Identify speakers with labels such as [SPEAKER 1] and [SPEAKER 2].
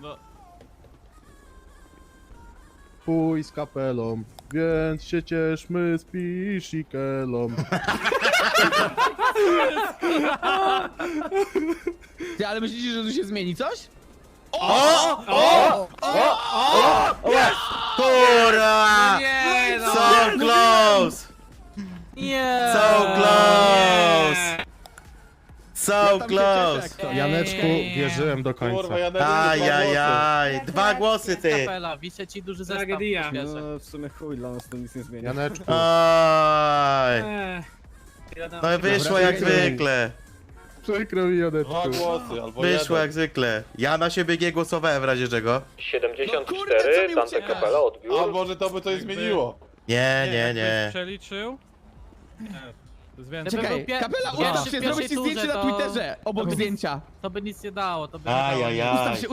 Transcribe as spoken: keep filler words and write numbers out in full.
[SPEAKER 1] No.
[SPEAKER 2] Chuj z kapelą, więc się cieszmy z piszikelą.
[SPEAKER 3] Ty, ale myślicie, że tu się zmieni coś?
[SPEAKER 4] O! O! O! Kurwa!
[SPEAKER 1] Nie no!
[SPEAKER 4] So close!
[SPEAKER 1] Nie!
[SPEAKER 4] So close! So
[SPEAKER 3] Ja tam się cieszę,
[SPEAKER 4] close!
[SPEAKER 3] jak to.
[SPEAKER 2] Janeczku, wierzyłem do końca.
[SPEAKER 5] Kurwa, ja nawet
[SPEAKER 4] Ajajaj! Dwa głosy, ty!
[SPEAKER 1] Kapela, wiszę ci duży zestaw.
[SPEAKER 6] Tragedia.
[SPEAKER 1] Bierze.
[SPEAKER 7] No w sumie chuj, dla nas to nic nie zmienia.
[SPEAKER 2] Janeczku,
[SPEAKER 4] Oj!
[SPEAKER 6] Eee,
[SPEAKER 4] No wyszło jak zwykle!
[SPEAKER 2] przykro mi, Janeczku.
[SPEAKER 5] Dwa głosy, albo
[SPEAKER 4] Wyszło
[SPEAKER 5] jeden.
[SPEAKER 4] jak zwykle. Ja na siebie nie głosowałem w razie czego.
[SPEAKER 3] No kurde, co mi
[SPEAKER 8] Dante
[SPEAKER 3] ucieka?
[SPEAKER 8] Capella odbiór.
[SPEAKER 5] A może to by coś zmieniło?
[SPEAKER 4] Nie, nie,
[SPEAKER 1] jakbyś
[SPEAKER 4] nie.
[SPEAKER 1] przeliczył? To jest więcej.
[SPEAKER 3] Czekaj,
[SPEAKER 1] Gdyby był pie-
[SPEAKER 3] kapela,
[SPEAKER 1] pierwszy
[SPEAKER 3] ustaw
[SPEAKER 1] w
[SPEAKER 3] się,
[SPEAKER 1] pierwszej
[SPEAKER 3] zrobię ci zdjęcie
[SPEAKER 1] turze,
[SPEAKER 3] na
[SPEAKER 1] to-
[SPEAKER 3] Twitterze, obok
[SPEAKER 1] to by-
[SPEAKER 3] zdjęcia.
[SPEAKER 1] To by nic nie dało, to by nie
[SPEAKER 4] Ajajaj.
[SPEAKER 1] dało.
[SPEAKER 3] Ustaw się,